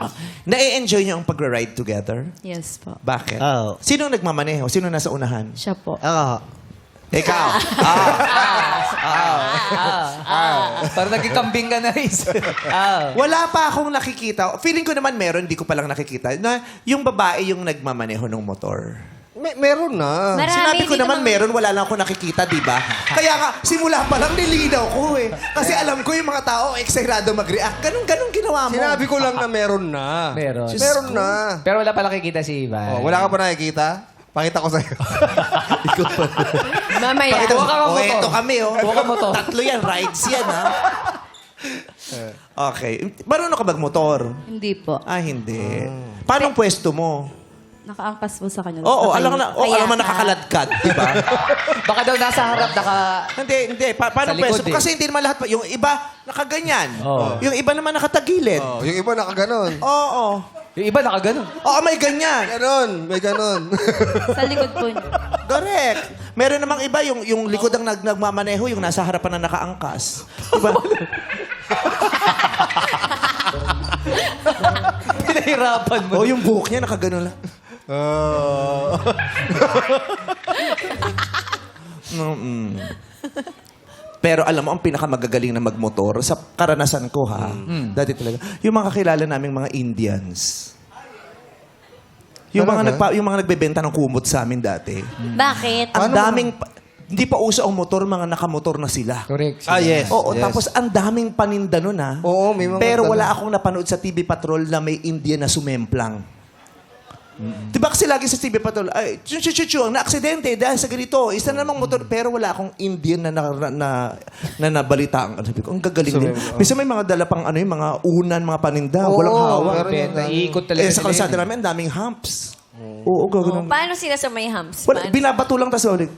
Na-enjoy niyo ang pag-ride together? Yes po. Bakit? Oo. Sino nagmamaneho? Sino nasa unahan? Siya po. Ikaw. Parang naging kambing ka na, Riz. Wala pa akong nakikita. Feeling ko naman meron, di ko palang nakikita, na yung babae yung nagmamaneho ng motor. Meron na. Sinabi ko naman meron, wala lang ako nakikita, di ba? Kaya nga, simula pa lang nilinaw ko eh. Kasi alam ko yung mga tao, eksirado mag-react. Ganun ginawa mo. Sinabi ko lang na meron na. Meron. Meron na. Pero wala pala nakikita si Ivan. Oh, wala ka pa nakikita? Pakita ko sa'yo. Ikaw pa. Mamaya. Pakita mo. Huwag kang motor. Eto kami, Huwag kang motor. Tatlo yan, rides yan, ha? Okay. Marunong ka mag-motor? Hindi po. Ah, hindi. Paano ang pwesto mo? Nakaangkas po sa kanya. Oo, alam mo nakakaladkad, di ba? Baka daw nasa harap, Hindi. Paano Sa likod pwesto? eh. Kasi hindi naman lahat. Yung iba, nakaganyan. Oo. Yung iba naman nakatagilid. Oh, yung iba nakaganon. Oo. Yung iba nakaganon. Oo, may ganyan. Ganon. May ganon. Sa likod po niya. Correct. Meron namang iba, yung likod ang nagmamaneho, yung nasa harapan na nakaangkas. Diba? Pinahirapan mo. O, yung buhok niya nakaganon lang. Pero alam mo, ang pinakamagagaling na magmotor, sa karanasan ko ha, dati talaga, yung mga kakilala naming mga Indians. Yung mga nagbebenta ng kumot sa amin dati. Bakit? Ang daming, hindi pa uso ang motor, mga nakamotor na sila. Correct. Yes. Oo, tapos ang daming paninda nun ha. Oo, may mga Pero ganun. wala akong napanood sa TV Patrol na may Indian na sumemplang. Diba kasi lagi sa TV Patrol, ay, ang na-aksidente dahil sa ganito, isa namang motor, pero wala akong Indian na nabalitaan. Sabi ko, ang gagaling din. Minsan may mga dala pang yung mga unan, mga paninda, walang hawak. meron yan. Naiikot talaga Sa kalsada namin, ang daming humps. Oo, gagawin. Paano sila sa may hams? Wala, binabato lang, tapos ulit.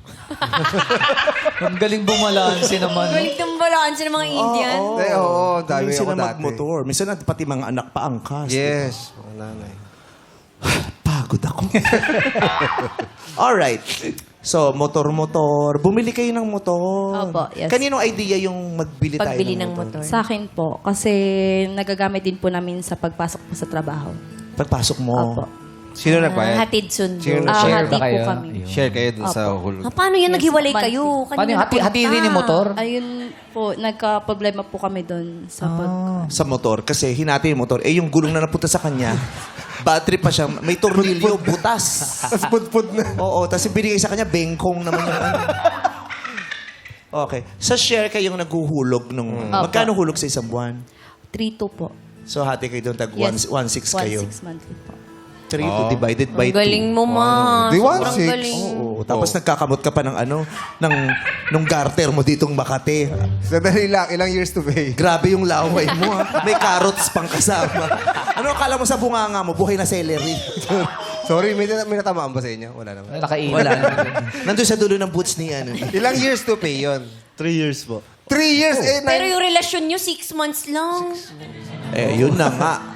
Ang galing bumalansi naman. Galing ng balanse ng mga Indian. Oo, dami Galing sila ako dati. magmotor. Minsan pati mga anak pa angkas. Yes. Mga nanay. Pagod ako. Alright. So, motor-motor. Bumili kayo ng motor. Opo, yes. Kaninong idea yung magbili tayo Pagbili ng ng motor? motor. Sa akin po. Kasi nagagamit din po namin sa pagpasok po sa trabaho. Pagpasok mo. Opo. Sino nagbayad? Hatid sundo. Sino Share Hati ba po kayo? kami. Ayun. Share kayo dun sa hulog. Paano yan? Yes, Naghiwalay monthly. kayo? Paano yung hati rin yung motor? Ayun po, nagka-problema po kami doon sa Sa motor. Kasi hinati yung motor. Eh, yung gulong na napunta sa kanya, battery pa siya. May tornilyo, butas. Tapos pud-pud na. Oo. Tapos binigay sa kanya, bengkong naman yung ano. Okay. Sa share kayong naghuhulog nung... Magkano hulog sa isang buwan? 3-2 po. So, hati kayo doon, tag Yes. 1.6 kayo. 1-6 monthly po. 3 divided by Ang 2. galing mo, ma. Di Sobrang 1.6. galing. Oo. Tapos nagkakamot ka pa ng nung garter mo ditong Makati. Sadali lang, ilang years to pay? Grabe yung laway mo, ha? May carrots pang kasama. Ano akala mo sa bunganga mo? Buhay na celery. Sorry, may natamaan ba sa inyo? Wala naman. Nakailan. Wala. Nandun sa dulo ng boots ni ano. Ilang years to pay yon? 3 years po. 3 years? Pero yung relasyon nyo, 6 months lang. Eh, yun na nga.